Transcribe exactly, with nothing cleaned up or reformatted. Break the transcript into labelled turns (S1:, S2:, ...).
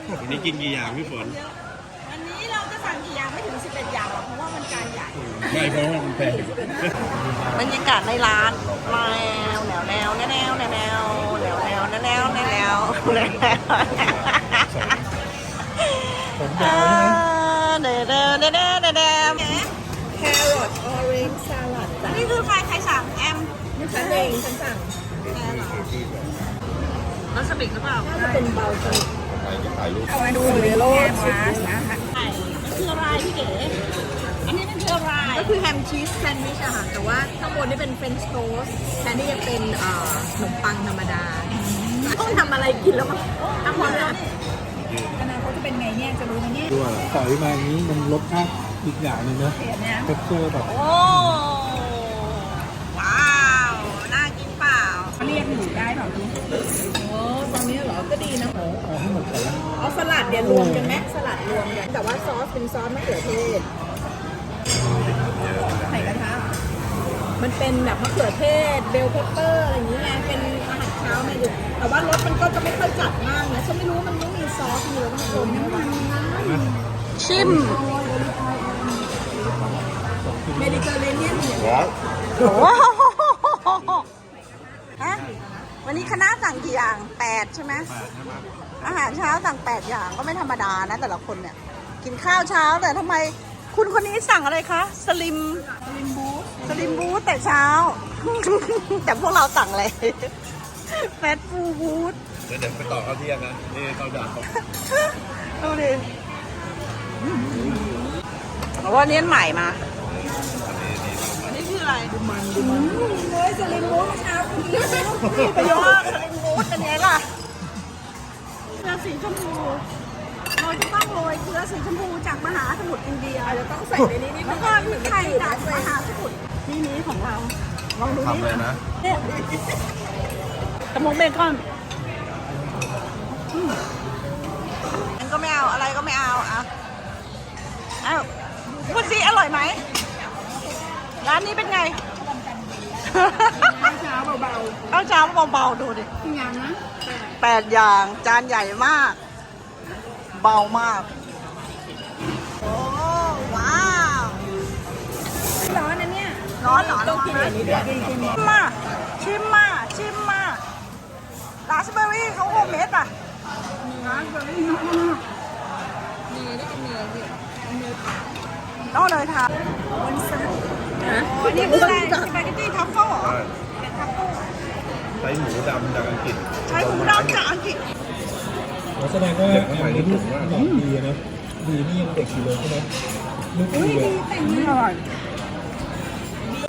S1: วันนี้กินกี่อย่างพี่ฝน
S2: วันนี้เราจะสั่งกี่อย่างไม่ถึงสิบเอ็ดอย่างหรอกเพราะว่ามันจานใหญ่
S1: ไม่เพราะว่ามันแพง
S2: บรรยากาศในร้านแนวแนวแนวแนวแนวแนวแนวแนวแนวแนวแนวแนวแนว
S3: ผมยาวใช่ไหม
S2: เดเดเดเดเดเด
S4: แครอทออเรนจ์สลัดจ้ะ
S2: นี่คือใครใครสั่งแอม
S4: ฉันเองฉันสั่ง
S2: แล้วสปิกหรือเปล่า
S4: น่าจะเป็นเบาสลิดเอามาดูเลยโลดชิสนะคะ
S2: มันคืออะไรพี่เก๋อันนี้มันคืออะไร
S4: ก็คือแฮมชีสแซนด์วิชอะค่ะแต่ว่าข้างบนนี่เป็นเฟรนช์โทสต์แทนที่จะเป็นขนมปังธรรมดาต้องทำอะไรกินแล้วมั้งทำหมดแล้วอนาคตจะเป็นไงเนี่ยจะรู้ไหมเนี่ย
S3: ด้วยใส่มาอย่างนี้มันรสชาติอีกอย่างหนึ่งนะเท็กเจอร์แบบ
S2: โอ้ว้าวน่ากินเปล่า
S4: เรียกหนูได้เปล่าดูโอ้ตอนนี้เหรอก็ดีนะ
S3: เอาให้หมดก่อนแล้ว
S4: เอาสลัดเดี๋ยวรวมกันไหมสลัดรวมกันแต่ว่าซอสเป็นซอสมะเขือเทศใส่กระทะมันเป็นแบบมะเขือเทศเบลเพปเปอร์อะไรอย่างนี้ไงเป็นอาหารเช้าเมนูแต่ว่ารสมันก็จะไม่ค่อยจัดมากนะฉันไม่รู้มันไม่มีซอสมีแล้วมันกลมน้ำมัน
S2: ชิม
S4: เมดิเตอร์เรเนียนเนี่ย
S2: โอ้ฮะวันนี้คณะสั่งกี่อย่างแปดใช่ไหมอาหารเช้าสั่งแปดอย่างก็ไม่ธรรมดานะแต่ละคนเนี่ยกินข้าวเช้าแต่ทำไมคุณคนนี้สั่งอะไรคะสลิม
S4: สลิมบูส
S2: สลิมบูสแต่เช้า แต่พวกเราสั่งอะไรแฟตฟูบูส
S1: เดี๋ยวไปต่อข้าวเที่ยงนะนี่ข้าวดาว
S2: ดูดิบอกว่าเนี้ยใหม่มาอันนี้คืออะไร
S4: ดูมันดูมันเลยสลิมบูสเช้าคุณกิน
S2: ไปยอดสลิมบูสเป็นไงล่ะเกลือสีชมพูเราจะต้องโรยเกลือสีชมพูจากมหาสมุทรอินเดีย
S4: จะต้องใส่ในนี้นิด
S2: แล้วก็พริกไทยจากมหาสมุทรที่นี้ของเราลองดูนี่
S1: เลยนะ
S2: เนี่ยกระมงเบคอนมันก็ไม่เอาอะไรก็ไม่เอาอ่ะอ้าวพูดสิอร่อยไหมร้านนี้เป็นไง
S4: เช้าเบา
S2: ๆเอาเช้าเบาๆดูดิ
S4: ๆอย่างนะ
S2: แปดอย่างจานใหญ่มากเบามากโอ้ว้าว
S4: ร้อนนะเนี่ย
S2: ร้อนเหรอ
S4: ต้องกินอย่างนี้ด้วย
S2: ชิมมาชิมมาชิมมาราสเบอร์รี่เขาโฮมเมดอ่ะ
S4: ร้านแบบนี้เนยได้เป็นเนยสิเนย
S2: ต้องเลยทาน
S4: วันซัน
S2: นี่คืออะไรสปาเกตตี้ทัฟเฟิลเหรอเป็นทัฟเฟิล
S1: ใช้หมูดำจากอังกฤษ
S2: ใช้หมูดำจากอังกฤษ
S3: แสดงว่าแอมนี่ลูกดีนะดีนี่ยังเด็กอยู่เลยใช่ไหมลูกดีเลย
S4: แต่งอร่อย